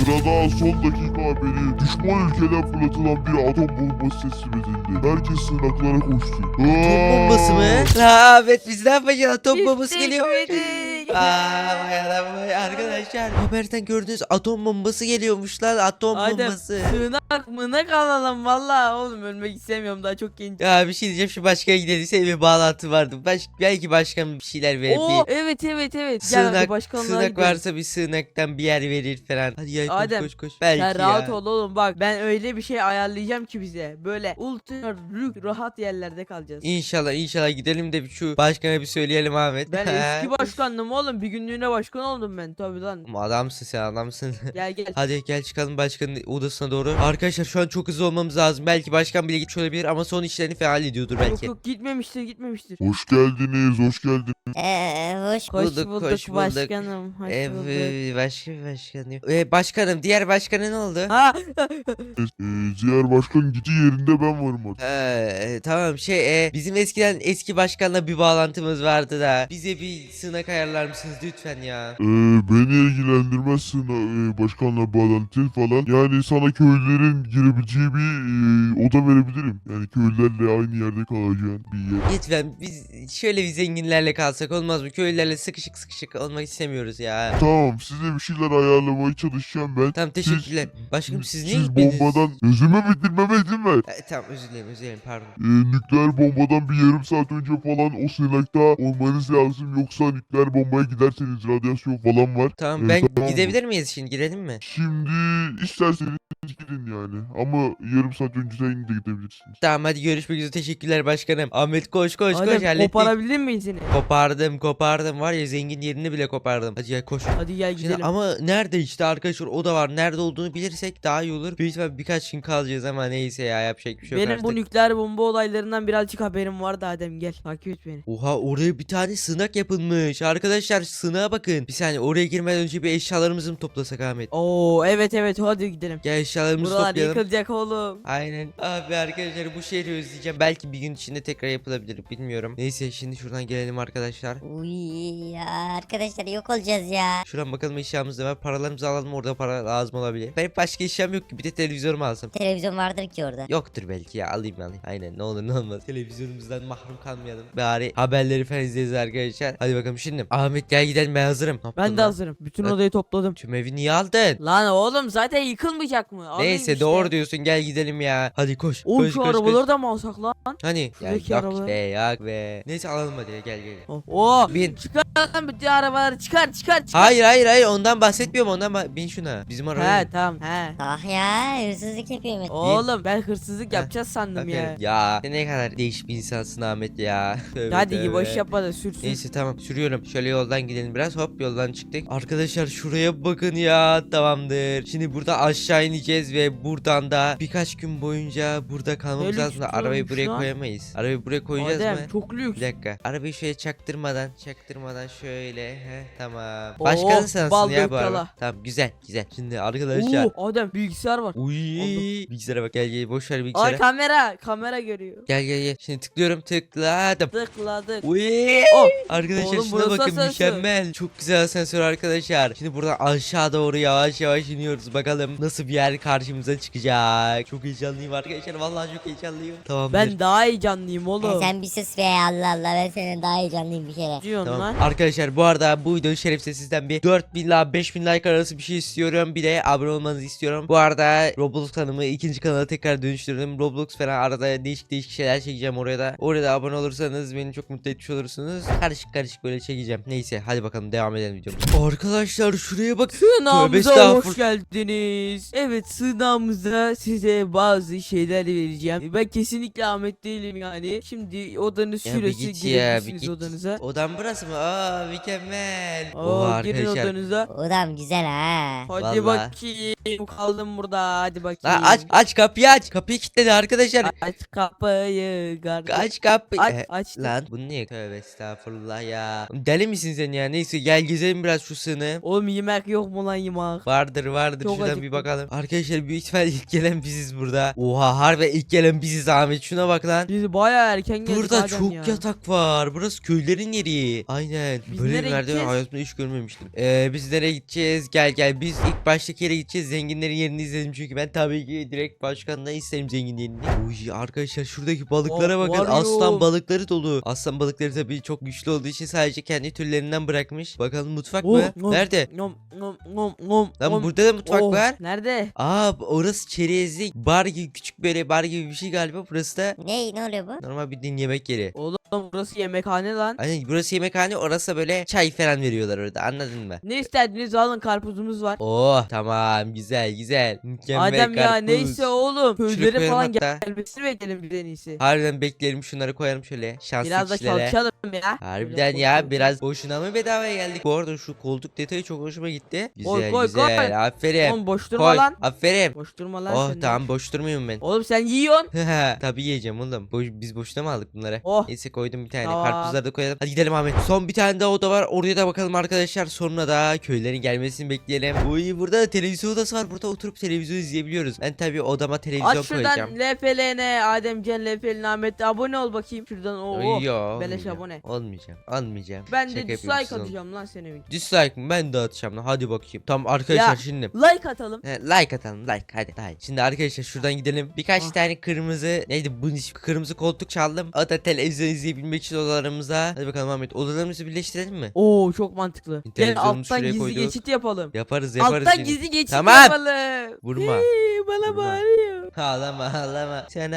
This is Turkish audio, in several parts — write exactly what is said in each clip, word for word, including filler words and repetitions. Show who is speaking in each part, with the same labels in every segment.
Speaker 1: Sırada son dakika haberi. Düşman ülkeden fırlatılan bir atom bombası teslim edildi. Herkes sığınaklara koştu.
Speaker 2: Atom bombası mı? Ha, evet biz ne yapacağız? Atom bombası
Speaker 3: Bittik,
Speaker 2: geliyor.
Speaker 3: bittik.
Speaker 2: Aa, vay adam vay arkadaşlar. Haberden gördüğünüz atom bombası geliyormuş lan, atom
Speaker 3: Adem
Speaker 2: bombası.
Speaker 3: sığınak mınak alalım valla oğlum, ölmek istemiyorum, daha çok genç.
Speaker 2: Ya bir şey diyeceğim, şu başkana gidelim. Senin bir bağlantı vardı. Baş, belki başkan bir şeyler verir.
Speaker 3: Oo
Speaker 2: Bir
Speaker 3: evet evet evet. Gel hadi
Speaker 2: sığınak,
Speaker 3: başkanlığa
Speaker 2: sığınak
Speaker 3: gidelim.
Speaker 2: varsa bir sığınaktan bir yer verir falan. Hadi ya koş
Speaker 3: Adem,
Speaker 2: koş koş. Belki
Speaker 3: Sen rahat
Speaker 2: ya.
Speaker 3: ol oğlum, bak ben öyle bir şey ayarlayacağım ki bize. Böyle ultra rük rahat yerlerde kalacağız.
Speaker 2: İnşallah inşallah gidelim de şu başkana bir söyleyelim Ahmet.
Speaker 3: Ben eski başkandım oğlum, bir günlüğüne başkan oldum ben tabi lan.
Speaker 2: Adamsın sen, adamsın.
Speaker 3: Gel gel.
Speaker 2: Hadi gel çıkalım başkanın odasına doğru. Arkadaşlar şu an çok hızlı olmamız lazım. Belki başkan bile gitmiş olabilir ama son işlerini falan hallediyordur
Speaker 3: Yok
Speaker 2: belki.
Speaker 3: yok, gitmemiştir gitmemiştir.
Speaker 1: Hoş geldiniz, hoş geldiniz.
Speaker 4: Ee, hoş
Speaker 3: Hoş
Speaker 2: bulduk,
Speaker 3: bulduk,
Speaker 2: hoş bulduk.
Speaker 3: başkanım. Hoş bulduk.
Speaker 2: Evet, başka bir başkan yok. Ee, başkanım, diğer başkanı ne oldu?
Speaker 3: Ha
Speaker 1: Ee, diğer başkan gitti yerinde ben varım artık.
Speaker 2: Ee, tamam şey e, bizim eskiden eski başkanla bir bağlantımız vardı da bize bir sığınak ayarlar mısınız lütfen ya?
Speaker 1: Ee, beni ilgilendirmezsin e, başkanla bağlantı falan. Yani sana köylülerin girebileceği bir e, oda verebilirim. Yani köylülerle aynı yerde kalacağın bir yer.
Speaker 2: Lütfen biz şöyle bir zenginlerle kalsak olmaz mı? Köylülerle sıkışık sıkışık olmak istemiyoruz ya.
Speaker 1: Tamam, size bir şeyler ayarlamaya çalışacağım ben.
Speaker 2: Tamam teşekkürler. Başkanım siz niye
Speaker 1: Siz
Speaker 2: gitmediniz?
Speaker 1: bombadan özüme bitirmeme izin ver.
Speaker 2: E, tamam özür dilerim özür dilerim pardon.
Speaker 1: Ee, nükleer bombadan bir yarım saat önce falan o sığınakta olmanız lazım. Yoksa nükleer bombaya giderseniz radyasyon falan var.
Speaker 2: Tamam
Speaker 1: Ee,
Speaker 2: ben
Speaker 1: tamam mı?
Speaker 2: gidebilir miyiz şimdi, girelim mi?
Speaker 1: Şimdi isterseniz gidin yani. Ama yarım saat önceden de gidebilirsiniz.
Speaker 2: Tamam hadi görüşmek üzere, teşekkürler başkanım. Ahmet koş koş koş
Speaker 3: Adem,
Speaker 2: hallettik.
Speaker 3: koparabilir miyiz seni?
Speaker 2: Kopardım kopardım var ya, zengin yerini bile kopardım. Hadi gel koş.
Speaker 3: Hadi gel
Speaker 2: Şimdi
Speaker 3: gidelim.
Speaker 2: ama nerede işte arkadaşlar, o da var. Nerede olduğunu bilirsek daha iyi olur. Büyük ihtimalle birkaç gün kalacağız ama neyse ya, yapacak bir şey yok
Speaker 3: Benim
Speaker 2: artık.
Speaker 3: bu nükleer bomba olaylarından birazcık haberim vardı Adem, gel takip et beni.
Speaker 2: Oha, oraya bir tane sığınak yapılmış. Arkadaşlar sığınağa bakın. Bir saniye, oraya girmeden önce bir eşyalarımızı mı toplasak Ahmet?
Speaker 3: Oo evet evet, hadi gidelim.
Speaker 2: Gel eşyalarımızı
Speaker 3: Buralar
Speaker 2: toplayalım.
Speaker 3: yıkılacak oğlum.
Speaker 2: Aynen. Abi arkadaşlar bu şehri özleyeceğim. Belki bir gün içinde tekrar yapılabilir, bilmiyorum. Neyse şimdi şuradan gelelim arkadaşlar.
Speaker 4: Uy ya arkadaşlar, yok olacağız ya.
Speaker 2: Şuradan bakalım eşyamız ne var. Paralarımızı alalım, orada para lazım olabilir. Benim başka eşyam yok ki, bir de televizyonumu alsam.
Speaker 4: Televizyon vardır ki orada.
Speaker 2: Yoktur belki ya, alayım alayım. Aynen, ne olur ne olmaz. Televizyonumuzdan mahrum kalmayalım. Bari haberleri falan izleriz arkadaşlar. Hadi bakalım şimdi. Ahmet gel gidelim, ben hazırım. Ne yaptın
Speaker 3: Ben de
Speaker 2: lan?
Speaker 3: hazırım. Bütün
Speaker 2: Evet.
Speaker 3: odayı topladım.
Speaker 2: Tüm evi niye aldın?
Speaker 3: Lan oğlum zaten yıkılmayacak mı? Alayım
Speaker 2: Neyse
Speaker 3: işte.
Speaker 2: doğru diyorsun, gel gidelim ya. Hadi koş.
Speaker 3: Oğlum
Speaker 2: koş,
Speaker 3: şu
Speaker 2: koş,
Speaker 3: arabaları
Speaker 2: koş.
Speaker 3: da mı alsak lan?
Speaker 2: Hani? Ya
Speaker 3: Şuradaki
Speaker 2: yok
Speaker 3: arabaları.
Speaker 2: be yok be. Neyse alalım hadi, gel gel.
Speaker 3: Oh, oh.
Speaker 2: Bin.
Speaker 3: Çıkar lan bütün arabaları, çıkar çıkar çıkar.
Speaker 2: Hayır hayır hayır, ondan bahsetmiyorum, ondan bah- bin şuna. Bizim arabaya.
Speaker 3: He tamam he.
Speaker 4: Ah ya, hırsızlık yapıyor mu?
Speaker 3: Oğlum ben hırsızlık
Speaker 2: Heh,
Speaker 3: yapacağız sandım ya.
Speaker 2: Aferin. Ya sen ne kadar değişik bir insansın Ahmet ya. Tövbe
Speaker 3: Hadi
Speaker 2: tövbe.
Speaker 3: gibi boş yapma da sürsün.
Speaker 2: Neyse tamam sürüyorum. Şöyle yoldan gidelim biraz. Hop yoldan çıktık. Arkadaşlar şuraya bakın ya. Tamamdır. Şimdi burada aşağı ineceğiz ve buradan da birkaç gün boyunca burada kalmamız
Speaker 3: Ne
Speaker 2: lazım da
Speaker 3: lüks
Speaker 2: arabayı
Speaker 3: olmuş
Speaker 2: buraya
Speaker 3: lan.
Speaker 2: koyamayız. Arabayı buraya koyacağız
Speaker 3: Adem
Speaker 2: mı?
Speaker 3: çok lüks.
Speaker 2: Bir dakika. Arabayı şöyle çaktırmadan, çaktırmadan şöyle. Heh, tamam.
Speaker 3: Oo,
Speaker 2: Başkanın sensin
Speaker 3: bal
Speaker 2: ya bu araba.
Speaker 3: gökkala.
Speaker 2: Tamam güzel, güzel. Şimdi arkadaşlar.
Speaker 3: Oo, Adem bilgisayar var.
Speaker 2: Uy,
Speaker 3: Oldu.
Speaker 2: bilgisayara bak, gel gel boş ver
Speaker 3: Ay
Speaker 2: bilgisayara.
Speaker 3: kamera kamera görüyor.
Speaker 2: Gel gel gel. Şimdi tıklıyorum, tıkladım.
Speaker 3: Tıkladık.
Speaker 2: Uy.
Speaker 3: Oh.
Speaker 2: Arkadaşlar
Speaker 3: Oğlum,
Speaker 2: şuna
Speaker 3: burası
Speaker 2: bakın,
Speaker 3: asansör.
Speaker 2: mükemmel. Çok güzel asansör arkadaşlar. Şimdi buradan aşağı doğru yavaş yavaş iniyoruz. Bakalım nasıl bir yer karşımıza çıkacak. Çok heyecanlıyım arkadaşlar. Vallahi çok heyecanlıyım. Tamamdır.
Speaker 3: Ben daha heyecanlıyım
Speaker 4: Ya
Speaker 3: oğlum.
Speaker 4: sen bir sus be, Allah Allah, ben senin daha heyecanlıyım bir kere.
Speaker 3: Diyorsun
Speaker 2: Tamam.
Speaker 3: lan.
Speaker 2: Arkadaşlar bu arada bu videonun şerefsiz sizden bir dört bin ila beş bin like arası bir şey istiyorum. Bir de abone olmanızı istiyorum. Bu arada Roblox kanalımı ikinci kanala tekrar dönüştürdüm. Roblox falan arada değişik değişik şeyler çekeceğim oraya da. Oraya da abone olursanız beni çok mutlu etmiş olursunuz. Karışık karışık böyle çekeceğim. Neyse hadi bakalım devam edelim videomuza. Arkadaşlar şuraya bak. Tövbe
Speaker 3: Sığınağımıza
Speaker 2: estağfurullah.
Speaker 3: hoş geldiniz. Evet, sığınağımızda size bazı şeyler vereceğim. Ben kesinlikle Ahmet değilim yani. Şimdi odanın
Speaker 2: Ya bir
Speaker 3: süresi
Speaker 2: git ya, bir
Speaker 3: girebilirsiniz
Speaker 2: git.
Speaker 3: odanıza.
Speaker 2: Odam burası mı? Aa mükemmel.
Speaker 3: Oo,
Speaker 2: Oha
Speaker 3: girin
Speaker 2: arkadaşlar.
Speaker 3: odanıza.
Speaker 4: Odam güzel ha.
Speaker 3: Hadi
Speaker 2: Vallahi.
Speaker 3: bakayım, kaldım burada, hadi bakayım.
Speaker 2: Lan aç aç kapıyı aç. Kapıyı kilitledi arkadaşlar.
Speaker 3: Aç kapıyı kardeşim.
Speaker 2: Aç kapıyı.
Speaker 3: Aç
Speaker 2: Eh,
Speaker 3: aç.
Speaker 2: Lan bu niye? Tövbe estağfurullah ya. Deli misin sen ya? Neyse gel gezelim biraz şu sığını.
Speaker 3: Oğlum yemek yok mu lan yemek?
Speaker 2: Vardır vardır,
Speaker 3: Çok
Speaker 2: şuradan bir
Speaker 3: acıktım.
Speaker 2: bakalım. Arkadaşlar büyük ihtimal ilk gelen biziz burada. Oha harbi ilk gelen biziz Ahmet, şuna bak lan.
Speaker 3: Biz bayağı erken geldik
Speaker 2: Burada
Speaker 3: Adem
Speaker 2: çok
Speaker 3: ya.
Speaker 2: yatak var. Burası köylerin yeri. Aynen.
Speaker 3: Biz
Speaker 2: Böyle bir
Speaker 3: nereye
Speaker 2: merdiven
Speaker 3: gideceğiz?
Speaker 2: hayatımda hiç görmemiştim. Ee, biz nereye gideceğiz? Gel gel. Biz ilk baştaki yere gideceğiz. Zenginlerin yerini izledim çünkü ben tabii ki direkt başkandan isterim zengin yerini. Uy arkadaşlar şuradaki balıklara
Speaker 3: Oh,
Speaker 2: bakın.
Speaker 3: var ya.
Speaker 2: Aslan balıkları dolu. Aslan balıkları tabii çok güçlü olduğu için sadece kendi türlerinden bırakmış. Bakalım mutfak
Speaker 3: Oh,
Speaker 2: mı?
Speaker 3: oh.
Speaker 2: Nerede?
Speaker 3: Nom nom nom nom.
Speaker 2: Lan
Speaker 3: nom.
Speaker 2: burada da mutfak
Speaker 3: Oh,
Speaker 2: var.
Speaker 3: Nerede?
Speaker 2: Aa orası çerezlik. Bar gibi, küçük böyle bar gibi bir şey galiba. Burası da
Speaker 4: Ne ne oluyor bu?
Speaker 2: normal bildiğin yemek yeri.
Speaker 3: Oğlum burası yemekhane lan.
Speaker 2: Aynen burası yemekhane, orası da böyle çay falan veriyorlar orada, anladın mı?
Speaker 3: Ne istediniz alın, karpuzumuz var.
Speaker 2: Oh tamam, güzel güzel. Mükemmel
Speaker 3: Adem ya
Speaker 2: karpuz.
Speaker 3: neyse oğlum.
Speaker 2: Şuraya
Speaker 3: Köylere
Speaker 2: koyalım
Speaker 3: falan
Speaker 2: hatta.
Speaker 3: gelmesini bekleyelim biz en iyisi.
Speaker 2: Harbiden bekleyelim, şunları koyalım şöyle şanslı
Speaker 3: Biraz da
Speaker 2: kişilere.
Speaker 3: çalışalım ya.
Speaker 2: Harbiden
Speaker 3: Şöyle
Speaker 2: ya
Speaker 3: koy,
Speaker 2: biraz boşuna mı bedavaya geldik? Bu arada şu koltuk detayı çok hoşuma gitti. Güzel
Speaker 3: Koy, koy,
Speaker 2: güzel
Speaker 3: koy.
Speaker 2: aferin.
Speaker 3: Oğlum boş durma
Speaker 2: Koy
Speaker 3: lan.
Speaker 2: aferin.
Speaker 3: Boş durma lan
Speaker 2: Oh
Speaker 3: sen de.
Speaker 2: tamam, boş durmuyorum ben.
Speaker 3: Oğlum sen yiyorsun.
Speaker 2: Tabii yiyeceğim oğlum. Boş, biz boşuna mı aldık bunları?
Speaker 3: Oh.
Speaker 2: Neyse koydum bir tane.
Speaker 3: Tamam.
Speaker 2: Karpuzları da koyalım. Hadi gidelim Ahmet. Son bir tane daha oda var. Oraya da bakalım arkadaşlar. Sonra da köylerin gelmesini bekleyelim. Uy burada da televizyon odası var. Burada oturup televizyon izleyebiliyoruz. Ben tabii odama televizyon
Speaker 3: Aç şuradan
Speaker 2: koyacağım.
Speaker 3: L P L N Ademcan L P L N Ahmet abone ol bakayım şuradan. Oo.
Speaker 2: Ay, yo,
Speaker 3: beleş
Speaker 2: olmayacağım.
Speaker 3: abone.
Speaker 2: Olmayacağım. Olmayacağım.
Speaker 3: Ben
Speaker 2: Şaka
Speaker 3: de
Speaker 2: yapıyorum
Speaker 3: dislike
Speaker 2: siz olun.
Speaker 3: atacağım lan senin video.
Speaker 2: Dislike mı? Ben de atacağım lan. Hadi bakayım. Tamam arkadaşlar
Speaker 3: Ya.
Speaker 2: şimdi.
Speaker 3: Like atalım.
Speaker 2: He, like atalım like hadi hadi. Şimdi arkadaşlar şuradan gidelim. Birkaç
Speaker 3: Ah.
Speaker 2: tane kırmızı neydi bu iş- kırmızı koltuk çaldım. O da televizyon izleyebilmek için odalarımıza. Hadi bakalım Ahmet, odalarımızı birleştirelim mi?
Speaker 3: Oo çok mantıklı. Gel
Speaker 2: Televizyonumuzu
Speaker 3: alttan
Speaker 2: şuraya
Speaker 3: gizli
Speaker 2: koyduk.
Speaker 3: geçit yapalım.
Speaker 2: Yaparız yaparız.
Speaker 3: Alttan
Speaker 2: yine.
Speaker 3: gizli geçit
Speaker 2: Tamam.
Speaker 3: yapalım.
Speaker 2: Vurma.
Speaker 3: Hii, bana
Speaker 2: Vurma.
Speaker 3: bağırıyor.
Speaker 2: Ağlama ağlama. Sen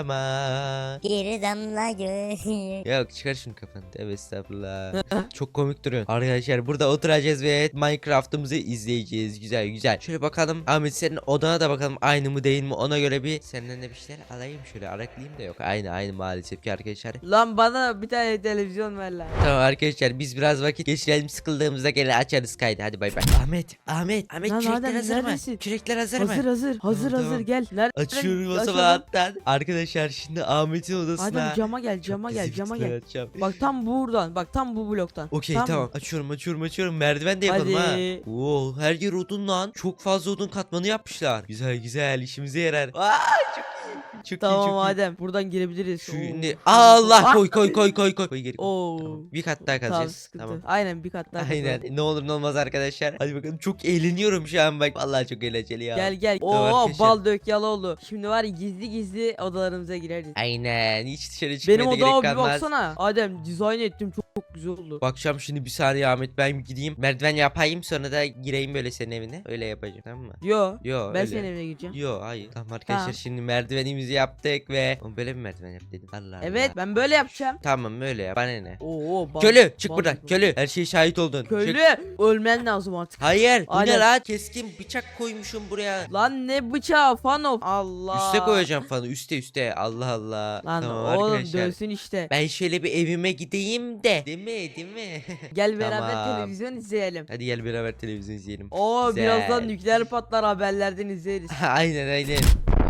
Speaker 2: ağlama.
Speaker 4: Bir damla göz.
Speaker 2: Yok çıkar şunu kafanı. Evet estağfurullah. Çok komik duruyorsun. Arkadaşlar burada oturacağız ve Minecraft'ımızı izleyeceğiz. Güzel güzel. Şöyle bakalım. Ahmet senin odana da bakalım aynı mı değil mi? Ona göre bir senden de bir şeyler alayım şöyle. Araklayayım da yok. Aynı aynı maalesef ki arkadaşlar.
Speaker 3: Lan bana bir tane televizyon ver lan.
Speaker 2: Tamam arkadaşlar biz biraz vakit geçirelim, sıkıldığımızda gene açarız kaydı. Hadi bay bay. Ahmet Ahmet Ahmet
Speaker 3: Lan
Speaker 2: kürekler
Speaker 3: Adem,
Speaker 2: hazır mı?
Speaker 3: neredesin?
Speaker 2: Kürekler hazır,
Speaker 3: Hazır
Speaker 2: mı?
Speaker 3: hazır. Hazır
Speaker 2: Tamam,
Speaker 3: hazır
Speaker 2: tamam.
Speaker 3: gel. Nerede?
Speaker 2: Açıyorum o
Speaker 3: Aç
Speaker 2: zaman
Speaker 3: oğlum.
Speaker 2: alttan. Arkadaşlar şimdi Ahmet'in odasına.
Speaker 3: Adem cama gel,
Speaker 2: çok
Speaker 3: cama gel,
Speaker 2: güzel
Speaker 3: cama
Speaker 2: fikirler
Speaker 3: gel.
Speaker 2: atacağım.
Speaker 3: Bak tam buradan. Bak tam bu bloktan.
Speaker 2: Okey
Speaker 3: Tamam
Speaker 2: tamam,
Speaker 3: mı?
Speaker 2: açıyorum açıyorum açıyorum, merdiven de yapalım
Speaker 3: Hadi.
Speaker 2: ha. Oo, her yer odun lan, çok fazla odun katmanı yapmışlar. Güzel güzel, işimize yarar. Aa, çok iyi çok iyi
Speaker 3: Tamam
Speaker 2: çok iyi.
Speaker 3: Adem buradan girebiliriz.
Speaker 2: Şimdi
Speaker 3: Oo.
Speaker 2: Allah
Speaker 3: Ah!
Speaker 2: koy koy koy koy koy. Koy geri koy.
Speaker 3: Oo.
Speaker 2: Tamam, bir kat daha
Speaker 3: Tamam
Speaker 2: kazacağız.
Speaker 3: sıkıntı.
Speaker 2: Tamam.
Speaker 3: Aynen bir kat daha.
Speaker 2: Aynen.
Speaker 3: kazalım.
Speaker 2: Ne olur ne olmaz arkadaşlar. Hadi bakalım, çok eğleniyorum şu an bak. Vallahi çok eğlenceli ya.
Speaker 3: Gel gel.
Speaker 2: Tamam
Speaker 3: Oo
Speaker 2: arkadaşlar.
Speaker 3: bal dök Yaloğlu. Şimdi var ya gizli gizli odalarımıza gireriz.
Speaker 2: Aynen. Hiç dışarı çıkmaya
Speaker 3: Benim
Speaker 2: da gerek
Speaker 3: odama bir
Speaker 2: kalmaz.
Speaker 3: baksana. Adem dizayn ettim çok, çok güzel oldu.
Speaker 2: Bakacağım şimdi, bir saniye Ahmet, ben gideyim merdiven yapayım sonra da gireyim böyle senin evine. Öyle yapacağım, tamam mı?
Speaker 3: Yo.
Speaker 2: Yo
Speaker 3: Ben
Speaker 2: öyle.
Speaker 3: senin evine gireceğim.
Speaker 2: Yo hayır. Tamam arkadaşlar
Speaker 3: Tamam.
Speaker 2: şimdi merdivenimizi yaptık ve Oğlum, böyle bir merdiven yap dedim. Allah
Speaker 3: Evet
Speaker 2: Allah.
Speaker 3: ben böyle yapacağım.
Speaker 2: Tamam öyle yap. Bana ne?
Speaker 3: Oo bal.
Speaker 2: Köylü çık
Speaker 3: bal
Speaker 2: buradan.
Speaker 3: dök.
Speaker 2: Köylü. Her şeye şahit oldun.
Speaker 3: Köylü
Speaker 2: Çık.
Speaker 3: ölmen lazım artık.
Speaker 2: Hayır. Bu ne
Speaker 3: Aynen.
Speaker 2: lan? Keskin bıçak koymuşum buraya.
Speaker 3: Lan ne bıçağı Fano. Allah.
Speaker 2: Üste koyacağım falan. Üste üste. Allah Allah.
Speaker 3: Lan
Speaker 2: Tamam
Speaker 3: oğlum
Speaker 2: arkadaşlar.
Speaker 3: dönsün işte.
Speaker 2: Ben şöyle bir evime gideyim de. Değil mi? Değil mi?
Speaker 3: Gel beraber
Speaker 2: Tamam.
Speaker 3: televizyon izleyelim.
Speaker 2: Hadi gel beraber televizyon izleyelim.
Speaker 3: Oo
Speaker 2: Güzel.
Speaker 3: birazdan nükleer patlar haberlerden izleriz.
Speaker 2: Aynen aynen.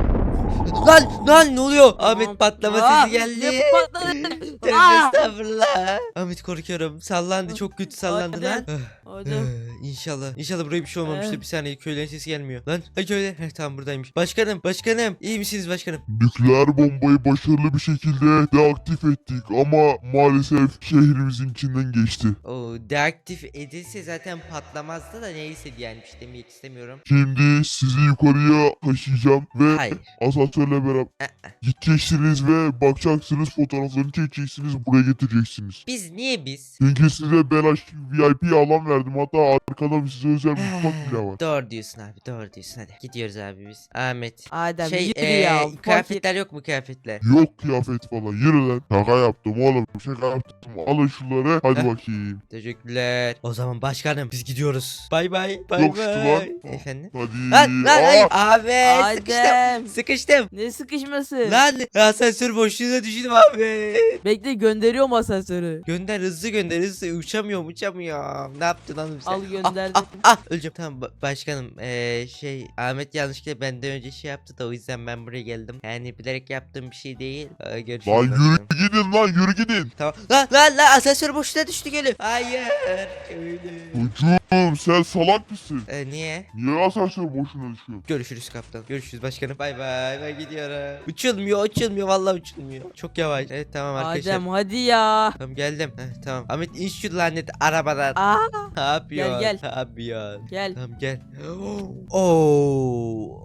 Speaker 2: Lan lan ne oluyor? Ahmet patlama
Speaker 3: Aa,
Speaker 2: sesi geldi.
Speaker 3: ne patladı?
Speaker 2: Tövbe
Speaker 3: Aa!
Speaker 2: estağfurullah. Ahmet korkuyorum. Sallandı, çok kötü sallandı
Speaker 3: Adem.
Speaker 2: lan.
Speaker 3: Adem.
Speaker 2: Ee, İnşallah. İnşallah buraya bir şey olmamıştır.
Speaker 3: Ee?
Speaker 2: Bir saniye, köylerin sesi gelmiyor. Lan ha köyler. Heh, tamam buradaymış. Başkanım başkanım. İyi misiniz başkanım?
Speaker 1: Nükleer bombayı başarılı bir şekilde deaktif ettik ama maalesef şehrimizin içinden geçti.
Speaker 2: O deaktif edilse zaten patlamazdı da neyse yani bir şey demek istemiyorum.
Speaker 1: Şimdi sizi yukarıya taşıyacağım ve
Speaker 2: Hayır.
Speaker 1: asansörle beraber gideceksiniz ve bakacaksınız, fotoğraflarını çekeceksiniz, buraya getireceksiniz.
Speaker 2: Biz niye biz?
Speaker 1: Çünkü size belaş V I P alan verdim, hatta arkada bir size özel mutfak bile var.
Speaker 2: Doğru diyorsun abi, doğru diyorsun, hadi gidiyoruz abi biz. Ahmet.
Speaker 3: Adem
Speaker 2: Şey
Speaker 3: yürü
Speaker 2: eee,
Speaker 3: ya. fakir.
Speaker 2: kıyafetler yok mu, kıyafetler?
Speaker 1: Yok kıyafet falan, yürü lan. Şaka yaptım oğlum, şaka yaptım. Alın şunları, hadi
Speaker 2: Heh.
Speaker 1: bakayım.
Speaker 2: Teşekkürler. O zaman başkanım biz gidiyoruz. Bay bay. Bay
Speaker 1: Yok, şu
Speaker 2: bay.
Speaker 1: lan.
Speaker 2: Efendim?
Speaker 1: Hadi.
Speaker 2: Lan lan hayır.
Speaker 1: Aa!
Speaker 2: Abi sıkıştım.
Speaker 3: Adem.
Speaker 2: Sıkıştım. geldim.
Speaker 3: Ne sıkışması?
Speaker 2: Lan asansör boşluğuna düştüm abi.
Speaker 3: Bekle, gönderiyorum asansörü.
Speaker 2: Gönder hızlı gönder hızlı. Uçamıyorum uçamıyorum. Ne yaptın oğlum sen?
Speaker 3: Al gönderdim.
Speaker 2: Ah, ah, ah, öleceğim. Tamam ba- başkanım. Ee, şey Ahmet yanlışlıkla benden önce şey yaptı da o yüzden ben buraya geldim. Yani bilerek yaptığım bir şey değil. Ee, görüşürüz.
Speaker 1: Lan
Speaker 2: başkanım.
Speaker 1: yürü gidin lan yürü gidin.
Speaker 2: Tamam. Lan lan lan asansör boşluğuna düştü geliyor. Hayır. Öyle.
Speaker 1: Çocuğum sen salak mısın?
Speaker 2: Ee, niye?
Speaker 1: Niye asansör boşuna düşüyor?
Speaker 2: Görüşürüz kaptan. Görüşürüz başkanım. Bay bay. Ben gidiyorum. Uçulmuyor uçulmuyor vallahi uçulmuyor. Çok yavaş. Evet tamam arkadaşlar.
Speaker 3: Adem hadi ya.
Speaker 2: Tamam geldim. Heh, tamam. Ahmet in şu lanet arabadan.
Speaker 3: Aa,
Speaker 2: Ne yapıyorsun?
Speaker 3: gel.
Speaker 2: Ne yapıyorsun?
Speaker 3: gel.
Speaker 2: Tamam gel. Oo.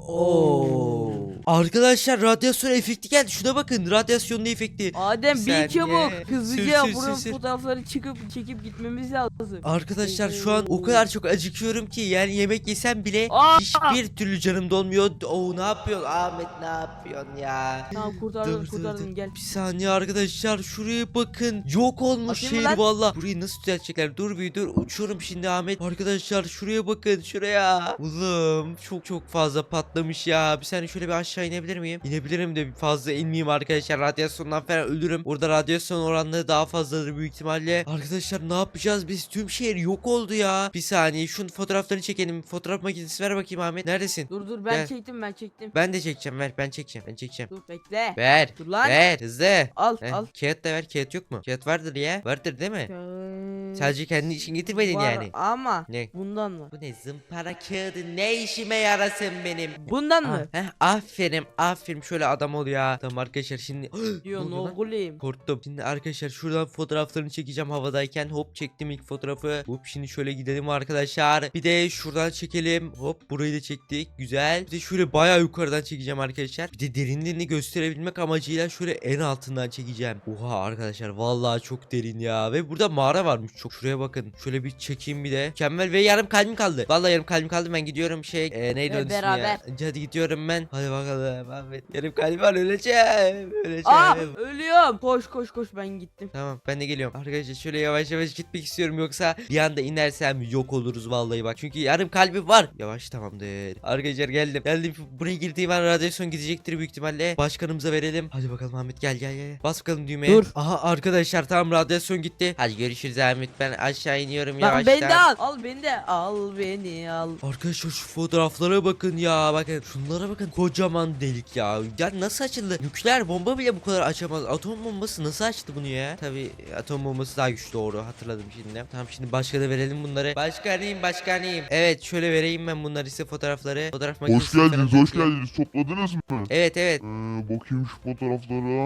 Speaker 2: Oo. Arkadaşlar radyasyon efekti geldi. Şuna bakın. Radyasyonlu efekti.
Speaker 3: Adem
Speaker 2: Bir
Speaker 3: bir
Speaker 2: saniye.
Speaker 3: çabuk. Hızlıca
Speaker 2: Sür, sür,
Speaker 3: buranın
Speaker 2: sür, sür.
Speaker 3: fotoğrafları çıkıp çekip gitmemiz lazım.
Speaker 2: Arkadaşlar şu an o kadar çok acıkıyorum ki yani yemek yesem bile
Speaker 3: Aa!
Speaker 2: hiçbir türlü canım dolmuyor. Oo ne yapıyorsun Ahmet ne yapıyorsun ya?
Speaker 3: Tamam kurtardım
Speaker 2: Dur, dur,
Speaker 3: kurtardım
Speaker 2: dur.
Speaker 3: gel.
Speaker 2: Bir saniye arkadaşlar şuraya bakın. Yok olmuş
Speaker 3: Atayım mı
Speaker 2: şehir
Speaker 3: lan?
Speaker 2: valla. Burayı nasıl düzeltecekler? Dur bir dur. Uçuyorum şimdi Ahmet. Arkadaşlar şuraya bakın şuraya. Oğlum çok çok fazla patlamış ya. Bir saniye şöyle bir aşağı inebilir miyim? İnebilirim de fazla inmeyeyim arkadaşlar. Radyasyondan falan ölürüm. Orada radyasyon oranları daha fazladır büyük ihtimalle. Arkadaşlar ne yapacağız biz? Tüm şehir yok oldu ya. Bir saniye şunun fotoğraflarını çekelim. Fotoğraf makinesi ver bakayım Ahmet. Neredesin?
Speaker 3: Dur dur ben
Speaker 2: Gel.
Speaker 3: çektim ben çektim.
Speaker 2: Ben de çekeceğim ver. Ben çekeceğim. Ben çekeceğim.
Speaker 3: Dur bekle.
Speaker 2: Ver.
Speaker 3: Dur lan.
Speaker 2: Ver hızlı.
Speaker 3: Al
Speaker 2: Heh,
Speaker 3: al.
Speaker 2: kağıt da ver. Kağıt yok mu? Kağıt vardır ya. Vardır değil mi?
Speaker 3: Kağıt
Speaker 2: Sadece kendi için getirmedin
Speaker 3: var
Speaker 2: yani.
Speaker 3: Ama
Speaker 2: Ne?
Speaker 3: bundan mı?
Speaker 2: Bu ne zımpara kağıdı ne işime yarasın benim?
Speaker 3: Bundan
Speaker 2: Ah,
Speaker 3: mı?
Speaker 2: heh, aferin aferin şöyle adam ol ya. Tamam arkadaşlar şimdi
Speaker 3: Diyor
Speaker 2: Ne
Speaker 3: ne
Speaker 2: oluyor lan?
Speaker 3: oğlum?
Speaker 2: korktum. Şimdi arkadaşlar şuradan fotoğraflarını çekeceğim havadayken. Hop çektim ilk fotoğrafı. Hop şimdi şöyle gidelim arkadaşlar. Bir de şuradan çekelim. Hop burayı da çektik. Güzel. Bir de şöyle bayağı yukarıdan çekeceğim arkadaşlar. Bir de derinliğini gösterebilmek amacıyla şöyle en altından çekeceğim. Oha arkadaşlar vallahi çok derin ya. Ve burada mağara varmış çok. Şuraya bakın. Şöyle bir çekeyim bir de. Mükemmel ve yarım kalbim kaldı. Vallahi yarım kalbim kaldı. Ben gidiyorum şey. E, neydi
Speaker 3: Ve
Speaker 2: onun ismi ya?
Speaker 3: beraber.
Speaker 2: Hadi gidiyorum ben. Hadi bakalım Ahmet. Yarım kalbim var öleceğim. Öleceğim.
Speaker 3: Aa ölüyorum. Koş koş koş ben gittim.
Speaker 2: Tamam ben de geliyorum. Arkadaşlar şöyle yavaş yavaş gitmek istiyorum yoksa bir anda inersem yok oluruz vallahi bak. Çünkü yarım kalbim var. Yavaş tamamdır. Arkadaşlar geldim. Geldim. Buraya girdiğim an radyasyon gidecektir büyük ihtimalle. Başkanımıza verelim. Hadi bakalım Ahmet gel gel gel. Bas bakalım düğmeye.
Speaker 3: Dur.
Speaker 2: Aha arkadaşlar tamam radyasyon gitti. Hadi görüşürüz Ahmet. Ben aşağı iniyorum
Speaker 3: Lan
Speaker 2: yavaştan.
Speaker 3: beni de al. Al beni de. Al beni al.
Speaker 2: Arkadaşlar şu fotoğraflara bakın ya bakın şunlara bakın kocaman delik ya ya nasıl açıldı nükleer bomba bile bu kadar açamaz atom bombası nasıl açtı bunu ya tabi atom bombası daha güçlü doğru hatırladım şimdi tamam şimdi başka da verelim bunları başkanıyım başkanıyım evet şöyle vereyim ben bunları size fotoğrafları fotoğraf
Speaker 1: Hoş
Speaker 2: makinesi falan
Speaker 1: geldiniz hoş
Speaker 2: takayım.
Speaker 1: geldiniz. Topladınız mı?
Speaker 2: Evet evet
Speaker 1: Ee, bakayım şu fotoğraflara.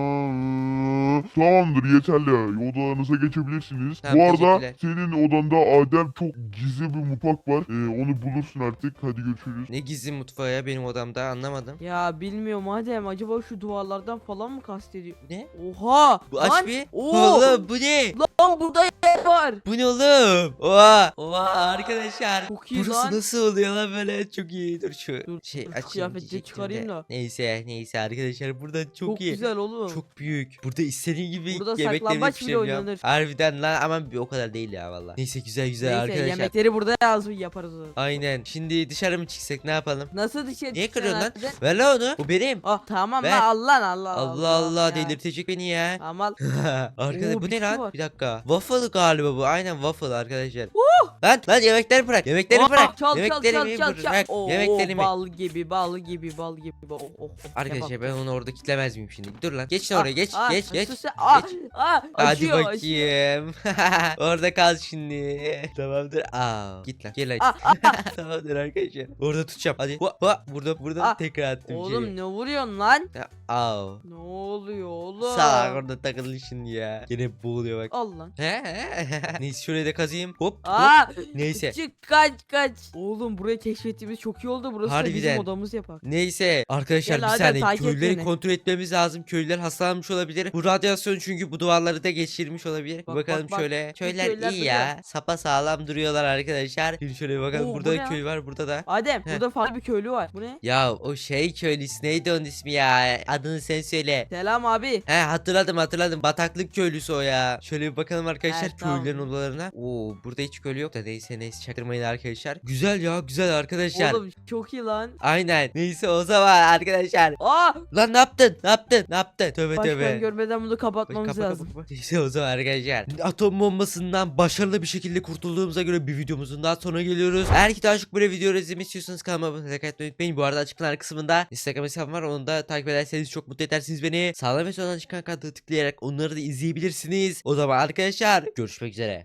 Speaker 1: Ee, tamamdır yeterli. Odalarınıza geçebilirsiniz.
Speaker 2: Tamam,
Speaker 1: Bu arada
Speaker 2: teşekkürler.
Speaker 1: senin odanda Adem çok gizli bir mutfak var. Ee, onu bulursun artık. Hadi görüşürüz.
Speaker 2: ne gizli mutfağı ya benim odamda anlamadım
Speaker 3: Ya bilmiyorum Adem, acaba şu duvarlardan falan mı kastediyor?
Speaker 2: ne
Speaker 3: Oha!
Speaker 2: bu aç
Speaker 3: lan,
Speaker 2: bir
Speaker 3: Oo!
Speaker 2: oğlum bu ne
Speaker 3: Lan burada yer var.
Speaker 2: bu ne oğlum oha oha arkadaşlar
Speaker 3: Çok iyi
Speaker 2: burası
Speaker 3: lan.
Speaker 2: nasıl oluyor lan böyle çok iyi dur şu
Speaker 3: Dur,
Speaker 2: şey
Speaker 3: dur şu
Speaker 2: açayım
Speaker 3: kıyafetleri
Speaker 2: diyecektim
Speaker 3: çıkarayım
Speaker 2: de.
Speaker 3: da.
Speaker 2: Neyse neyse arkadaşlar burada çok,
Speaker 3: Çok,
Speaker 2: iyi.
Speaker 3: güzel oğlum.
Speaker 2: Çok büyük. Burada istediğin gibi
Speaker 3: Burada
Speaker 2: yemekleri
Speaker 3: saklambaç bile
Speaker 2: pişirebiliyorum.
Speaker 3: oynanır.
Speaker 2: Harbiden lan ama bir o kadar değil ya valla. Neyse güzel güzel
Speaker 3: Neyse
Speaker 2: arkadaşlar.
Speaker 3: yemekleri burada yazı yaparız o zaman.
Speaker 2: Aynen. Şimdi dışarı mı çıksak ne yapalım?
Speaker 3: Nasıl dışarı
Speaker 2: Niye
Speaker 3: çıkacaksın
Speaker 2: kırıyorsun lan?
Speaker 3: Adem?
Speaker 2: Ver lan onu. Bu benim.
Speaker 3: Ah tamam
Speaker 2: Ver.
Speaker 3: lan al lan Allah
Speaker 2: Allah Allah
Speaker 3: ya.
Speaker 2: delirtecek beni ya.
Speaker 3: Tamam al.
Speaker 2: Arkadaş
Speaker 3: Oo,
Speaker 2: bu ne
Speaker 3: bitki
Speaker 2: lan?
Speaker 3: var.
Speaker 2: Bir dakika. Waffle galiba bu. Aynen waffle arkadaşlar. Lan lan yemekleri bırak. Yemekleri
Speaker 3: Oh,
Speaker 2: bırak.
Speaker 3: çal çal
Speaker 2: Yemeklerimi
Speaker 3: çal çal çal.
Speaker 2: bırak.
Speaker 3: Oo,
Speaker 2: Yemeklerimi.
Speaker 3: bal gibi bal gibi bal gibi. Oh, oh, oh.
Speaker 2: Arkadaşlar
Speaker 3: Yapalım.
Speaker 2: ben onu orada kitlemez miyim şimdi? Dur lan. Geç
Speaker 3: Ah,
Speaker 2: oraya geç.
Speaker 3: ah,
Speaker 2: geç geç.
Speaker 3: sus sen. Ah,
Speaker 2: geç.
Speaker 3: ah,
Speaker 2: Hadi
Speaker 3: açıyor, açıyor.
Speaker 2: bakayım. Orada kal şimdi. Tamamdır. Aa, git lan. Gel
Speaker 3: Ah,
Speaker 2: hadi.
Speaker 3: ah,
Speaker 2: Tamamdır arkadaşlar. Orada tutacağım. Hadi. Hua, hua. Burada burada
Speaker 3: Ah,
Speaker 2: tekrar attım
Speaker 3: Oğlum
Speaker 2: şeyi.
Speaker 3: ne vuruyorsun lan?
Speaker 2: Ya, Aa.
Speaker 3: Ne oluyor oğlum?
Speaker 2: Sağ orada takıldı şimdi ya. Yine boğuluyor bak.
Speaker 3: Al lan.
Speaker 2: Neyse şurayı da kazıyım. Hop hop.
Speaker 3: Aa,
Speaker 2: Neyse.
Speaker 3: çık kaç kaç. Oğlum burayı keşfettiğimiz çok iyi oldu. Burası da
Speaker 2: Harbiden.
Speaker 3: bizim odamız yapar.
Speaker 2: Neyse arkadaşlar
Speaker 3: Gel
Speaker 2: bir
Speaker 3: hadi,
Speaker 2: saniye
Speaker 3: takip et
Speaker 2: köylüleri
Speaker 3: beni.
Speaker 2: kontrol etmemiz lazım. Köylüler hastalanmış olabilir. Bu radyasyon çünkü bu duvarları da geçirmiş olabilir. Bir
Speaker 3: Bak,
Speaker 2: bakalım
Speaker 3: bak, bak.
Speaker 2: şöyle.
Speaker 3: Bu
Speaker 2: Köyler
Speaker 3: köyler
Speaker 2: iyi ya. Sapa sağlam duruyorlar arkadaşlar. Şimdi şöyle bir bakalım.
Speaker 3: Oo, bu
Speaker 2: burada
Speaker 3: ne
Speaker 2: da
Speaker 3: ya?
Speaker 2: köy var burada da.
Speaker 3: Adem
Speaker 2: Heh.
Speaker 3: burada farklı bir köylü var. Bu ne?
Speaker 2: Ya o şey köylüsü neydi onun ismi ya? adını sen söyle.
Speaker 3: Selam abi.
Speaker 2: He hatırladım hatırladım. Bataklık köylüsü o ya. Şöyle bir bakalım arkadaşlar
Speaker 3: Evet, tamam.
Speaker 2: köylülerin odalarına. Oo burada hiç köylü yok da neyse neyse çaktırmayın arkadaşlar. Güzel ya güzel arkadaşlar.
Speaker 3: Oğlum çok iyi lan.
Speaker 2: Aynen. Neyse o zaman arkadaşlar.
Speaker 3: Aa!
Speaker 2: Lan ne yaptın? Ne yaptın? Ne yaptın? Tövbe
Speaker 3: Başkan
Speaker 2: tövbe.
Speaker 3: görmeden bunu kapatmamız
Speaker 2: Kapa, kapa,
Speaker 3: lazım.
Speaker 2: kapa. Neyse o zaman arkadaşlar. Atom bombasından başarılı bir şekilde kurtulduğumuza göre bir videomuzun daha sonuna geliyoruz. Eğer ki daha çok böyle video izlemek istiyorsanız kanalıma abone olmayı unutmayın. Bu arada açıklamalar kısmında Instagram hesabım var. Onu da takip ederseniz çok mutlu edersiniz beni. Sağdan ve soldan çıkan kartı tıklayarak onları da izleyebilirsiniz. O zaman arkadaşlar görüşmek üzere.